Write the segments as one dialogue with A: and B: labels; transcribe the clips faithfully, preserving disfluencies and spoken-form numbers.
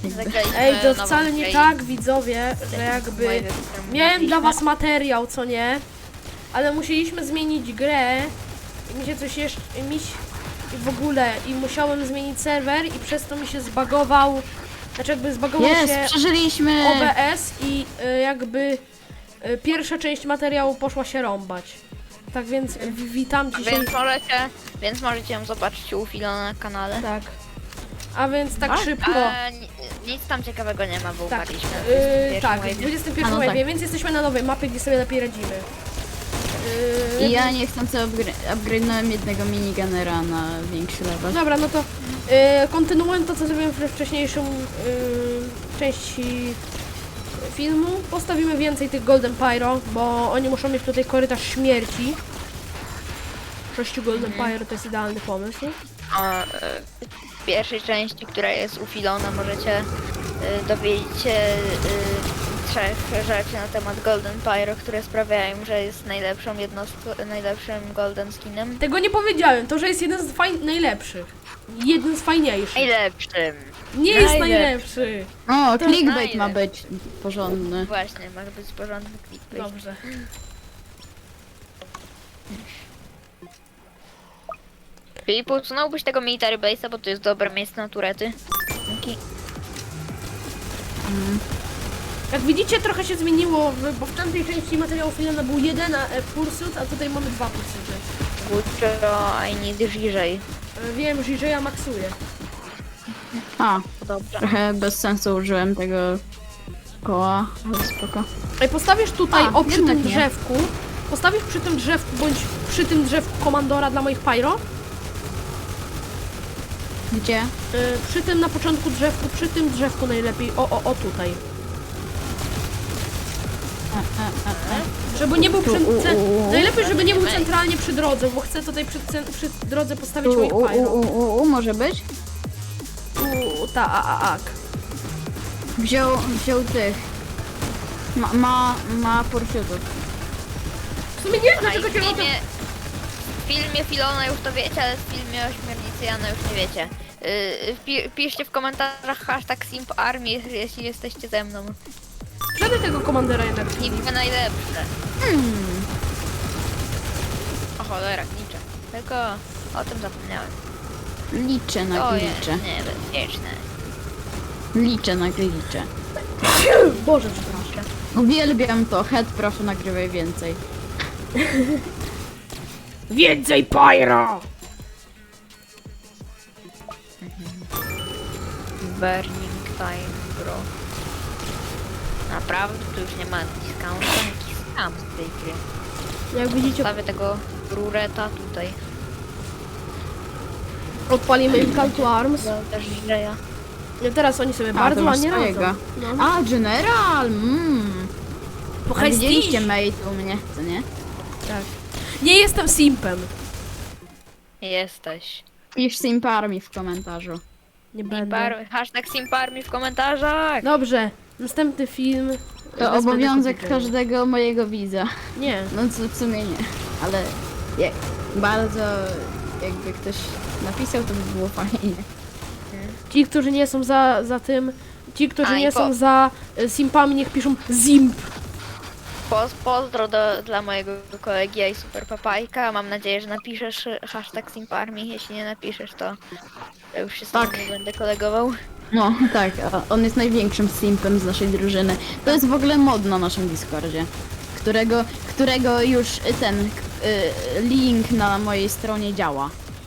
A: Zagraliśmy
B: Ej, to
A: nową
B: wcale nie
A: grę i-
B: tak, widzowie, że jakby
A: Moje rzeczy, które
B: miałem dla
A: mówiliśmy.
B: was materiał, co nie? Ale musieliśmy zmienić grę i mi się coś jeszcze, mi się, i w ogóle, i musiałem zmienić serwer i przez to mi się zbagował, znaczy jakby zbagował
C: Jest,
B: się
C: przeżyliśmy!
B: O B S i y, jakby y, pierwsza część materiału poszła się rąbać. Tak więc w- witam dzisiaj.
A: Więc możecie, więc możecie ją zobaczyć u Filona na kanale.
B: Tak. A więc tak szybko.
A: A, ni- nic tam ciekawego nie ma, bo
B: Tak,
A: umarliśmy. w
B: yy,
A: dwudziestym
B: tak, w
A: pierwszym wave'ie.
B: dwudziestym pierwszym
C: A, no
B: wave'ie,
C: tak.
B: więc jesteśmy na nowej mapie, gdzie sobie lepiej radzimy. Yy,
C: I ja niechcący upgra- upgrade'nąłem jednego minigunera na większy level.
B: Dobra, no to yy, kontynuując to, co zrobiłem we wcześniejszym yy, części filmu, postawimy więcej tych Golden Pyro, bo oni muszą mieć tutaj korytarz śmierci. Sześciu Golden Pyro to jest idealny pomysł.
A: O, y, w pierwszej części, która jest u Filona, możecie y, dowiedzieć się y, trzech rzeczy na temat Golden Pyro, które sprawiają, że jest najlepszą jednostką, najlepszym Golden Skinem.
B: Tego nie powiedziałem, to, że jest jeden z faj- najlepszych. Jeden z fajniejszych.
A: Najlepszym!
B: Nie jest
A: najlepszy.
B: najlepszy.
C: O,
A: To
C: clickbait ma
A: znajdę.
C: być porządny.
A: Właśnie, może być porządny clickbait.
B: Dobrze.
A: Czyli usunąłbyś tego military base'a, bo to jest dobre miejsce na turety. Dzięki.
B: Jak widzicie, trochę się zmieniło, w- bo w tamtej części materiału filmu był jeden e, pursuit, a tutaj mamy dwa pursuity.
A: Guccio, I need Żyżej.
B: E, Wiem, że ja maksuję.
C: A,
A: Dobrze.
C: trochę bez sensu użyłem tego koła, ale spoko.
B: Ej, postawisz tutaj,
C: A,
B: o przy
C: jednak
B: tym
C: nie.
B: drzewku, postawisz przy tym drzewku, bądź przy tym drzewku komandora dla moich pyro,
C: Gdzie?
B: e, przy tym na początku drzewku, przy tym drzewku najlepiej, o, o, o tutaj.
C: E, e, e, e.
B: Żeby nie był przy,
C: Tu, u,
B: ce,
C: u, u.
B: najlepiej, żeby nie był
A: Ej.
B: centralnie przy drodze, bo chcę tutaj przy, cen- przy drodze postawić
C: U,
B: moich
C: u, u,
B: pyro.
C: u, u, u, może być?
B: U, ta, a, a, ak.
C: Wziął, wziął tych. Ma, ma, ma pursuitów.
B: W sumie nie wiem,
A: A i
B: dlaczego
A: w
B: cię o tym...
A: filmie, w filmie Filona już to wiecie, ale w filmie Ośmiornicy Jana już nie wiecie. Yy, pi piszcie w komentarzach hashtag SimpArmy, jeśli jesteście ze mną.
B: Żeby tego komandora jednak.
A: Simpy najlepsze.
C: Hmm.
A: O cholera, niczym. Tylko o tym zapomniałem.
C: Liczę na
A: To jest
C: glicze.
A: niebezpieczne.
C: Liczę na glicze.
B: Boże, przepraszam.
C: Uwielbiam to. Head, proszę nagrywaj więcej.
B: Więcej pyro!
A: Burning time, bro. Naprawdę, tu już nie ma discountu, jakiś scam z tej gry.
B: Jak widzicie,
A: Stawię tego rureta tutaj.
B: odpalimy im Call to Arms.
A: Też Żyżeja.
B: No teraz oni sobie
C: A,
B: bardzo
C: to masz
B: ładnie
C: swojego.
B: radzą. No.
C: A, General! Mmm.
B: Po
C: A widzieliście
B: Hestii?
C: mate u mnie, co nie?
B: Tak. Nie jestem simpem.
A: Jesteś.
C: Pisz Simparmi w komentarzu.
B: Nie będę.
A: Simpar, hashtag SimpArmy w komentarzach.
B: Dobrze, następny film.
C: To
B: wezmę
C: obowiązek
B: tylko DJ.
C: każdego mojego widza.
B: Nie.
C: No co w sumie nie, ale jak bardzo jakby ktoś napisał, to by było fajnie.
B: Ci, którzy nie są za, za tym. Ci, którzy
A: A, i
B: nie
A: po-
B: są za y, simpami, niech piszą zimp.
A: Poz, pozdro do, dla mojego kolegi i super papajka. Mam nadzieję, że napiszesz hashtag SimpArmy. Jeśli nie napiszesz, to ja już się z tobą
C: Tak.
A: nie będę kolegował.
C: No tak, a on jest największym simpem z naszej drużyny. To jest w ogóle mod na naszym Discordzie, którego, którego już ten y, link na mojej stronie działa.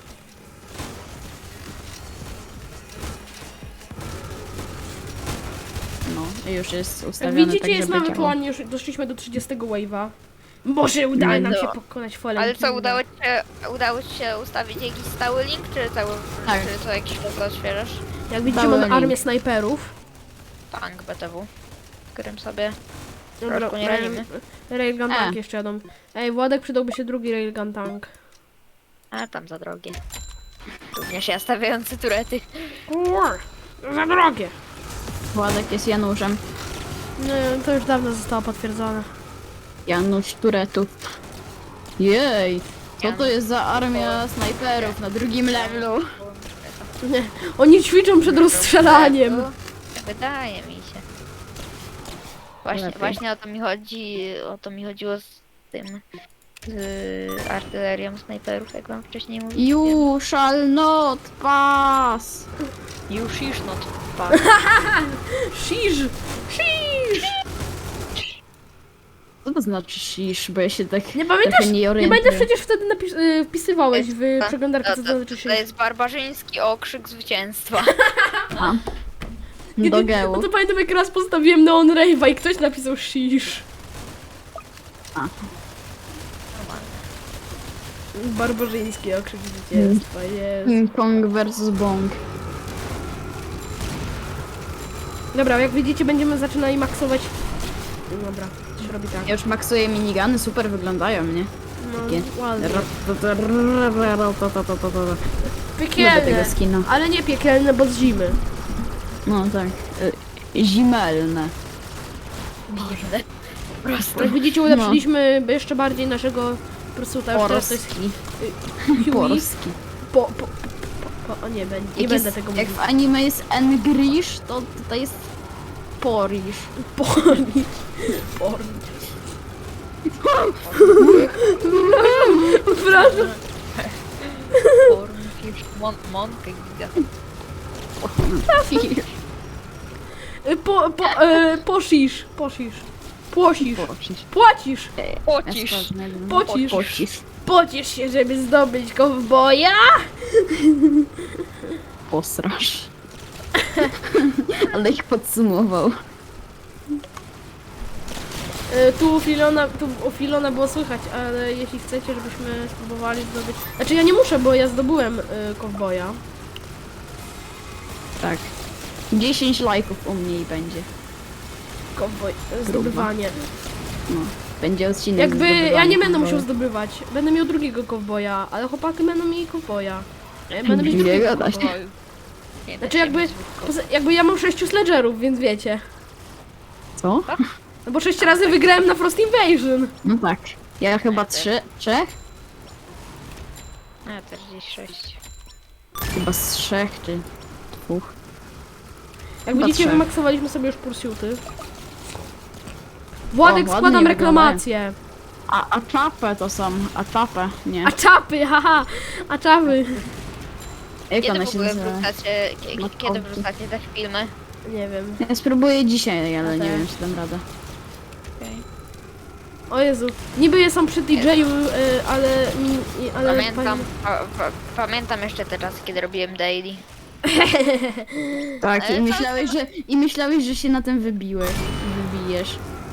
C: No, już jest
B: Jak
C: ustawiony
B: widzicie,
C: tak,
B: jest
C: żeby
B: mamy
C: działał.
B: plan, już doszliśmy do trzydziestego wave'a. Boże, udało nam
A: No.
B: się pokonać falę.
A: Ale co, udało ci, się, udało ci się ustawić jakiś stały link, czy cały,
C: Tak.
A: czy co jakiś czas go odświeżasz?
B: Jak widzicie,
C: Stały
B: mamy
C: link.
B: armię snajperów.
A: Tank B T W, w którym sobie
B: Dobra,
A: troszkę nie
B: rail-
A: radzimy.
B: Railgun
C: E.
B: tank jeszcze jadą. Ej, Władek, przydałby się drugi railgun tank.
A: A tam za drogie. Również ja stawiający turety.
B: Kur, za drogie.
C: Władek jest Januszem.
B: Nie, to już dawno zostało potwierdzone.
C: Janusz Turetów. Jej! Co to jest za armia snajperów na drugim levelu?
B: Nie, oni ćwiczą przed rozstrzelaniem.
A: Wydaje mi się. Właśnie,
C: Lepiej.
A: właśnie o to mi chodzi, o to mi chodziło z tym, z artylerią snajperów, jak wam wcześniej mówiłem.
C: You shall not pass!
A: Już, już, no to patrz.
B: Shish! Shish!
C: Co to znaczy shish, bo ja się tak
B: Nie pamiętasz?
C: trochę nie
B: Nie
C: orientuję.
B: pamiętasz, przecież wtedy napis, y, wpisywałeś w
A: To-
B: przeglądarkę, co
A: to,
B: to
A: to,
B: znaczy
A: to
B: shish.
A: jest barbarzyński okrzyk zwycięstwa.
C: A.
B: Nie,
C: Do
B: nie,
C: gełu.
B: No to pamiętam, jak raz postawiłem Neon Rave'a i ktoś napisał shish. Barbarzyński okrzyk zwycięstwa, jest.
C: King Kong versus Bong.
B: Dobra, jak widzicie, będziemy zaczynali maksować. Dobra, to się robi tak.
C: Ja już maksuję minigany, super wyglądają, nie?
B: No,
C: Takie.
B: ładnie.
C: Lubię
B: Piekielne,
C: tego skina.
B: ale nie piekielne, bo z zimy.
C: No tak. Y, Zimelne.
A: Dziwne. Po prostu.
B: Jak widzicie, ulepszyliśmy jeszcze bardziej naszego pursuta. Już teraz to jest
C: Porski.
B: Huey.
C: Porski.
B: Po, po, po, po, po, o nie, będę, nie
C: Jak,
B: będę
C: jest,
B: tego
C: jak
B: mówić.
C: w anime jest Engrish, to tutaj jest Porish.
B: Porni. Porni. Przepraszam.
A: Pornfish, mon, monkę giga.
B: Y, Po, po, e, posisz, posisz. Płosisz.
C: Pocisz.
B: Płacisz.
A: Pocisz.
B: Pocisz.
C: Pocisz.
B: Pocisz się, żeby zdobyć kowboja.
C: Posrasz. Ale ich podsumował.
B: E, Tu u Filona, tu u Filona było słychać, ale jeśli chcecie, żebyśmy spróbowali zdobyć... Znaczy ja nie muszę, bo ja zdobyłem y, kowboja.
C: Tak. dziesięć lajków u mnie i będzie.
B: Kowboj, e, zdobywanie.
C: No. Będzie odcinek.
B: Jakby ja
C: zdobywania
B: nie będę
C: kowboja.
B: musiał zdobywać. Będę miał drugiego kowboja, ale chłopaki będą mieli kowboja. A ja będę mieć
C: Nie
B: drugiego.
C: gadać.
A: Nie da
B: Znaczy
A: się
B: jakby,
A: mieć dwóch
B: poza- jakby ja mam sześciu sledgerów, więc wiecie.
C: Co?
B: No bo sześć razy wygrałem na Frost Invasion.
C: No tak. Ja chyba
A: Ja też.
C: trzy, trzech?
A: A, też gdzieś sześć.
C: Chyba z trzech czy dwóch.
B: Jak
C: Chyba
B: widzicie,
C: trzech.
B: wymaksowaliśmy sobie już pursuity. Władek,
C: O, ładnie
B: składam
C: wyglądają.
B: reklamację.
C: A, a czapę to są, a czapę, nie.
B: A czapy, haha, a czapy.
C: Jak
A: Kiedy
C: one
A: w
C: się
A: ogóle
C: nazywa?
A: wrzucacie, kie-
C: Matko.
A: kiedy wrzucacie te filmy?
B: Nie wiem.
C: Ja spróbuję dzisiaj, ale nie
B: Okej.
C: wiem, czy dam radę.
B: O Jezu, niby je są przy D J-u, y, ale... mi- i- ale
A: Pamiętam, pa, pa, pamiętam jeszcze te czasy, kiedy robiłem daily.
C: Tak,
A: Ale
C: i
A: to-
C: myślałeś, że, i myślałeś, że się na tym wybiłeś, wybijesz.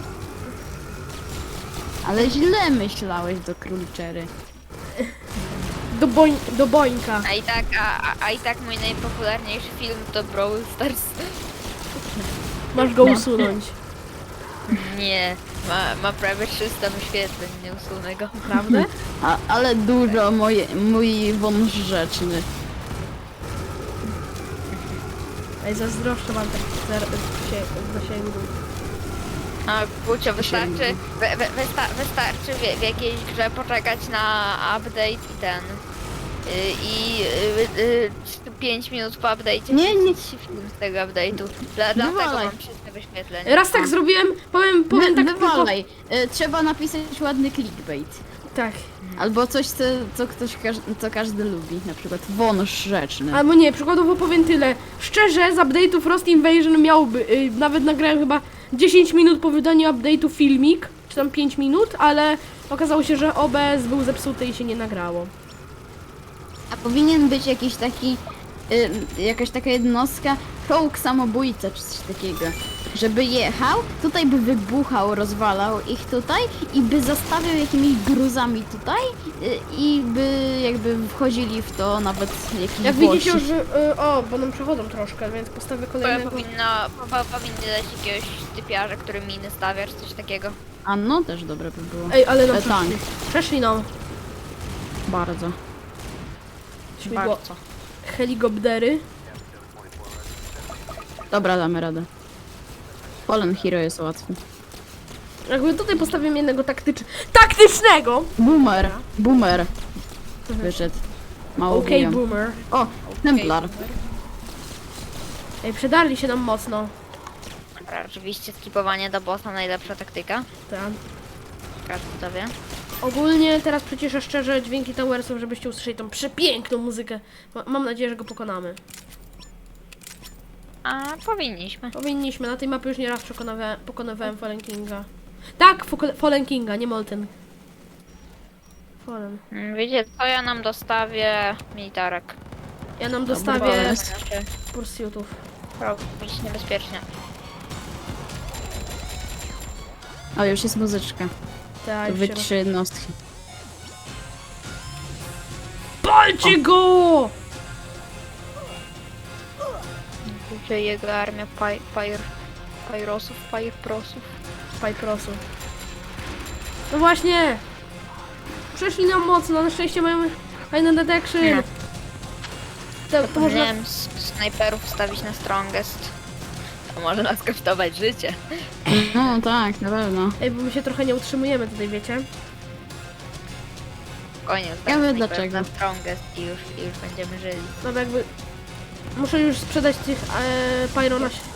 C: Ale źle myślałeś do króliczery.
B: Do, boń, do bońka.
A: A i tak, a, a, a i tak mój najpopularniejszy film to Brawl Stars.
B: Masz go usunąć.
A: Nie, ma, ma prawie trzysta wyświetleń, nie usunę go.
B: Prawda?
C: A, ale dużo moje, mój wąż rzeczny.
B: Ej, zazdroszczę wam tak zer- zasięgu.
A: A Gucio, wystarczy, wy, wy, wysta, wystarczy w, w jakiejś grze poczekać na update i ten. y, I y, y, pięć minut po update'cie
C: Nie, nie.
A: wrzucić film z tego update'u. Dla, dlatego
C: Wywalaj.
A: mam trzysta wyświetleń.
B: Raz tak zrobiłem, powiem, powiem
C: Wy,
B: tak tylko...
C: wywalaj. Y, Trzeba napisać ładny clickbait.
B: Tak.
C: Albo coś, co, co ktoś, każ- co każdy lubi. Na przykład wąż rzeczny.
B: Albo nie, przykładowo powiem tyle. Szczerze, z update'u Frost Invasion miałby, y, nawet nagrałem chyba dziesięć minut po wydaniu update'u filmik, czy tam pięć minut, ale okazało się, że O B S był zepsuty i się nie nagrało.
C: A powinien być jakiś taki, y, jakaś taka jednostka, czołg samobójca czy coś takiego. Żeby jechał, tutaj by wybuchał, rozwalał ich tutaj i by zastawiał jakimiś gruzami tutaj y, i by jakby wchodzili w to nawet jakiś
B: Jak
C: Włosi.
B: widzicie już, y, o, bo nam przechodzą troszkę, więc postawię
A: Powinno,
B: kolejnego.
A: powinno, po- powinny dać jakiegoś typiarza, który miny stawia, czy coś takiego.
C: A no, też dobre by było.
B: Ej, ale nam
C: E, tank.
B: przeszli. Przeszli nam.
C: Bardzo.
B: Śmigło,
C: Bardzo.
B: helikoptery.
C: Dobra, damy radę. Fallen Hero jest łatwy.
B: Jakby tutaj postawimy jednego taktycz... taktycznego!
C: Boomer! Boomer! Wyszedł. Mało
B: Okej,
C: okay,
B: boomer.
C: O! Templar!
B: Ej, przedarli się nam mocno.
A: Dobra, oczywiście skipowanie do bossa najlepsza taktyka.
B: Tak.
A: Każdy to wie.
B: Ogólnie teraz przyciszę szczerze dźwięki Towersów, żebyście usłyszeli tą przepiękną muzykę. Ma- Mam nadzieję, że go pokonamy.
A: A powinniśmy.
B: Powinniśmy, na tej mapie już nie raz przekonawa- pokonywałem Fallen Kinga. Tak, Foko- Fallen Kinga, nie Molten. Fallen.
A: Mm, Wiecie co, ja nam dostawię militarek.
B: Ja nam
C: Dobry
B: dostawię
C: pomysł.
A: Znaczy,
B: pursuitów.
A: robić niebezpiecznie.
C: O, już jest muzyczka.
B: Tak,
C: To
B: już
C: wy
B: się roz-
C: trzy jednostki.
B: Palcie go!
A: Gdzie jego armia paj, pajr, pajrosów, pajrprosów.
B: Pajprosu. No właśnie! Przeszli nam mocno, na szczęście mają fajny detection.
A: Nie.
B: To, to można...
A: Powinienem s- snajperów wstawić na strongest. To może nas kosztować życie.
C: No tak, na pewno.
B: Ej, bo my się trochę nie utrzymujemy tutaj, wiecie?
A: Spokojnie,
C: Ja
A: wstawię
C: wiem
A: snajperów
C: dlaczego.
A: na strongest i już, i już będziemy żyli.
B: No jakby... Muszę już sprzedać tych e, Pyro na... si-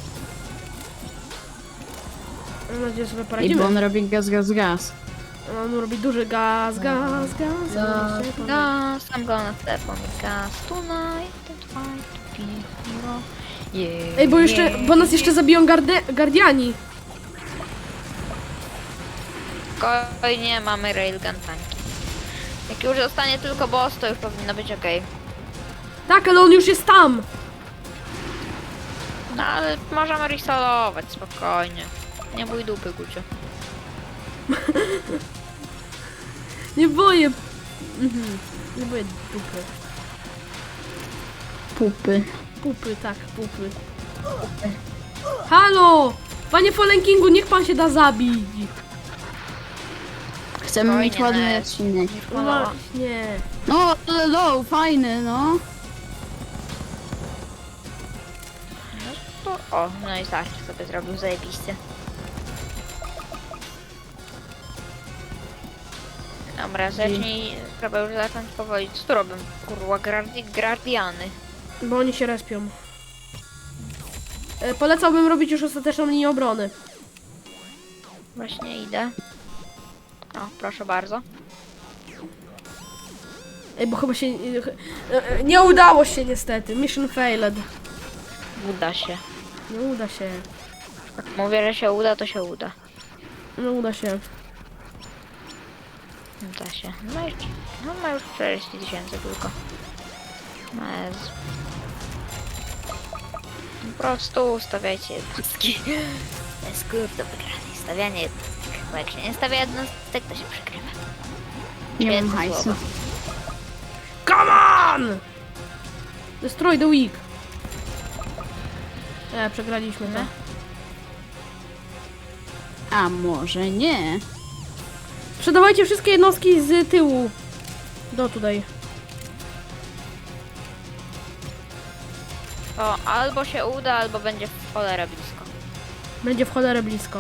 B: Mam nadzieję, że sobie
C: I bo
B: poradzimy.
C: on robi gaz, gaz, gaz.
B: On robi duży gaz, gaz, gaz.
A: Gas,
B: gaz.
A: gas, I'm gonna step on the gas tonight and try to be a hero. Yeah,
B: Ej, bo jeszcze,
A: yeah.
B: bo nas jeszcze zabiją garde, Guardiani.
A: Spokojnie, mamy railgun tanki. Jak już zostanie tylko boss, to już powinno być ok.
B: Tak, ale on już jest tam.
A: No ale możemy resolować, spokojnie. Nie bój dupy, Gucio.
B: Nie boję. Mhm. Nie boję dupy.
C: Pupy.
B: Pupy, tak, pupy. Halo! Panie Fallen Kingu, niech pan się da zabić.
C: Chcemy
A: Spokojnie,
C: mieć ładny
A: Ned.
C: odcinek.
B: No właśnie.
C: No, ale low, fajny, no.
A: To, o, no i tak sobie zrobił zajebiście. Dobra, zacznij, trzeba już zacząć powoli. Co tu robią? Kurwa, gardi, guardiany.
B: Bo oni się respią. E, polecałbym robić już ostateczną linię obrony.
A: Właśnie idę. O, proszę bardzo.
B: Ej, bo chyba się... e, e, Nie udało się niestety. Mission failed.
A: Uda się.
B: Nie uda się.
A: Jak mówię, że się uda, to się uda.
B: Nie uda się.
A: Uda się. No i no ma już czterdzieści tysięcy tylko. No Jezu. Po prostu stawiajcie jednostki. To jest klucz do wygranej. Stawianie jednostek. Bo jak się nie stawia jednostek, to się przegrywa.
C: Nie mam
A: Świetne
C: hajsu.
A: słowo.
B: Come on! Destroy the weak. E, przegraliśmy to.
C: A może nie?
B: Sprzedawajcie wszystkie jednostki z tyłu. Do tutaj.
A: To albo się uda, albo będzie w cholerę blisko.
B: Będzie w cholerę blisko.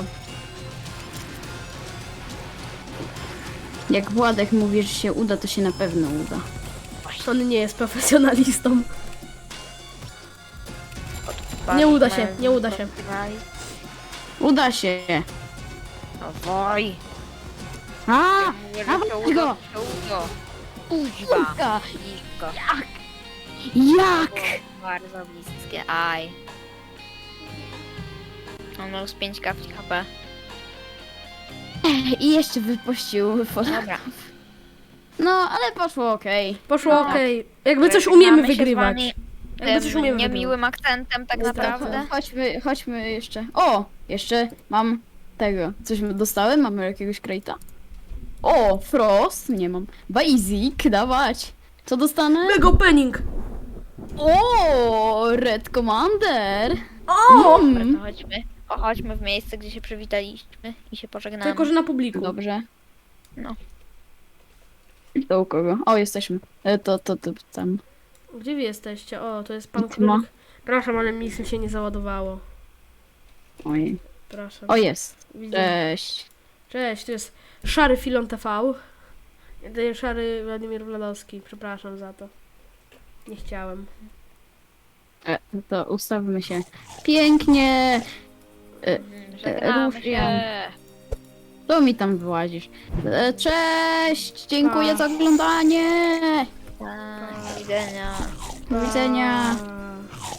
C: Jak Władek mówi, że się uda, to się na pewno uda.
B: On nie jest profesjonalistą.
A: Patrz,
B: Nie uda się,
A: mają
B: nie uda się.
A: rozgrywali.
C: Uda się!
A: Owoj.
C: A!
A: Mówię,
C: A
A: że się
C: weź
A: uda,
C: go!
A: to się uda. Kuźwa.
C: Uda.
A: Blisko.
C: Jak?
A: Bardzo bliskie, aj. On ma już pięć kapci H P.
C: I jeszcze wypuścił foto.
A: Dobra.
C: No, ale poszło okej.
B: Poszło
A: No.
B: okej. Jakby coś umiemy
A: Żegnamy się z
B: wygrywać.
A: wami
B: Jakby coś
A: tym
B: umiemy wygrywać.
A: niemiłym akcentem tak naprawdę.
C: Chodźmy, chodźmy jeszcze. O! Jeszcze mam tego. Coś dostałem? Mamy jakiegoś krejta? O! Frost? Nie mam. Basic, dawać. Co dostanę?
B: Mega opening!
C: O! Red Commander!
B: O!
A: Dobra,
C: Mm.
A: to chodźmy. O, chodźmy w miejsce, gdzie się przywitaliśmy i się pożegnamy.
B: Tylko, że na publiku.
C: Dobrze.
A: No.
C: To u kogo? O, jesteśmy. E, To, to, to, tam.
B: Gdzie wy jesteście? O, to jest pan
C: Ty ma?
B: królik. Przepraszam, ale mi się nie załadowało.
C: Oj.
B: Przepraszam.
C: O, jest.
B: Widzę.
C: Cześć.
B: Cześć, to jest Szary Filon T V. To jest Szary Władimir Wladowski. Przepraszam za to. Nie chciałem.
C: E, to ustawmy się pięknie.
A: Mhm, Żegnamy
C: Rusz,
A: się.
C: Jan. To mi tam wyłazisz. E, Cześć! Dziękuję
B: Pa.
C: za oglądanie!
A: Tak, do widzenia.
C: Do widzenia.
B: Pa.